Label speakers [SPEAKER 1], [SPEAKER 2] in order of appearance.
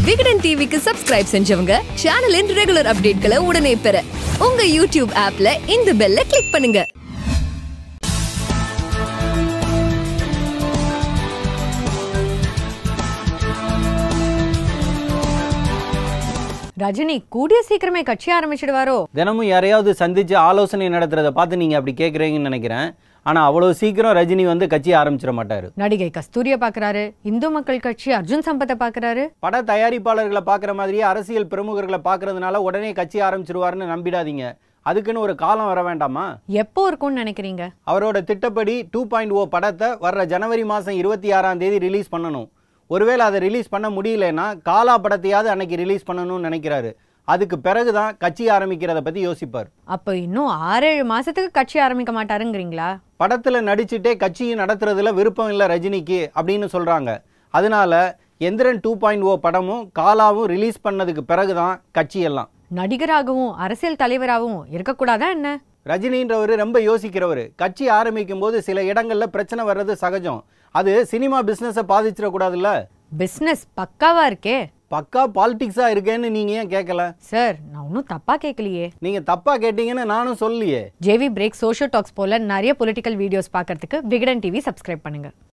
[SPEAKER 1] விகடன் டிவிக்கு சப்ஸ்கிரைப் செஞ்சவங்க சேனலின் ரெகுலர் அப்டேட்களை உடனே பெற உங்க யூடியூப் ஆப்ல இந்த பெல்ல கிளிக் பண்ணுங்க.
[SPEAKER 2] ரஜினி கூடிய சீக்கிரமே கட்சி ஆரம்பிச்சிடுவாரோ?
[SPEAKER 3] தினமும் யாரையாவது சந்திச்சு ஆலோசனை நடத்துறத பார்த்து நீங்க அப்படி கேட்குறீங்கன்னு நினைக்கிறேன். ஆனா அவ்வளவு சீக்கிரம் ரஜினி வந்து கட்சி ஆரம்பிச்சிட மாட்டாரு.
[SPEAKER 2] நடிகை கஸ்தூரியை பாக்குறாரு, இந்து மக்கள் கட்சி அர்ஜுன் சம்பத்தை பாக்குறாரு.
[SPEAKER 3] பட தயாரிப்பாளர்களை பாக்குற மாதிரியே அரசியல் பிரமுகர்களை பாக்குறதுனால உடனே கட்சி ஆரம்பிச்சிருவாருன்னு நம்பிடாதீங்க. அதுக்குன்னு ஒரு காலம் வர வேண்டாமா?
[SPEAKER 2] எப்போ இருக்கும்னு நினைக்கிறீங்க?
[SPEAKER 3] அவரோட திட்டப்படி 2.0 படத்தை வர்ற ஜனவரி மாதம் 26ஆம் தேதி ரிலீஸ் பண்ணணும். ஒருவேளை அதை ரிலீஸ் பண்ண முடியலன்னா காலா படத்தையாவது அன்னைக்கு ரிலீஸ் பண்ணணும்னு நினைக்கிறாரு. அதுக்கு பிறகுதான் கட்சி ஆரம்பிக்கிறத பத்தி யோசிப்பார்.
[SPEAKER 2] அப்ப இன்னும் 6-7 மாசத்துக்கு கட்சி ஆரம்பிக்க மாட்டாருங்கிறீங்களா?
[SPEAKER 3] படத்துல நடிச்சுட்டே கட்சியை நடத்துறதுல விருப்பம் இல்லை ரஜினிக்கு அப்படின்னு சொல்றாங்க. அதனால எந்திரன் 2.0 படமும் காலாவும் ரிலீஸ் பண்ணதுக்கு பிறகுதான் கட்சி எல்லாம்.
[SPEAKER 2] நடிகராகவும் அரசியல் தலைவராகவும் இருக்கக்கூடாதா என்ன?
[SPEAKER 3] ரஜினின்றவர் ரொம்ப யோசிக்கிறவர். கட்சி ஆரம்பிக்கும் போது சில இடங்கள்ல பிரச்சனை வர்றது சகஜம். அது சினிமா பிசினஸை பாதிச்சிடக்கூடாதுல்ல.
[SPEAKER 2] பிசினஸ் பக்காவா இருக்கே.
[SPEAKER 3] பக்கா பாலிடிக்ஸா இருக்கேன்னு நீங்க ஏன் கேட்கல?
[SPEAKER 2] சார், நான் ஒன்னும் தப்பா கேட்கலையே.
[SPEAKER 3] நீங்க தப்பா கேட்டீங்கன்னு நானும் சொல்லியே.
[SPEAKER 2] ஜேவி பிரேக், சோஷியல் டாக்ஸ் போல நிறைய பொலிட்டிக்கல் வீடியோஸ் பார்க்கறதுக்கு விகடன் டிவி சப்ஸ்கிரைப் பண்ணுங்க.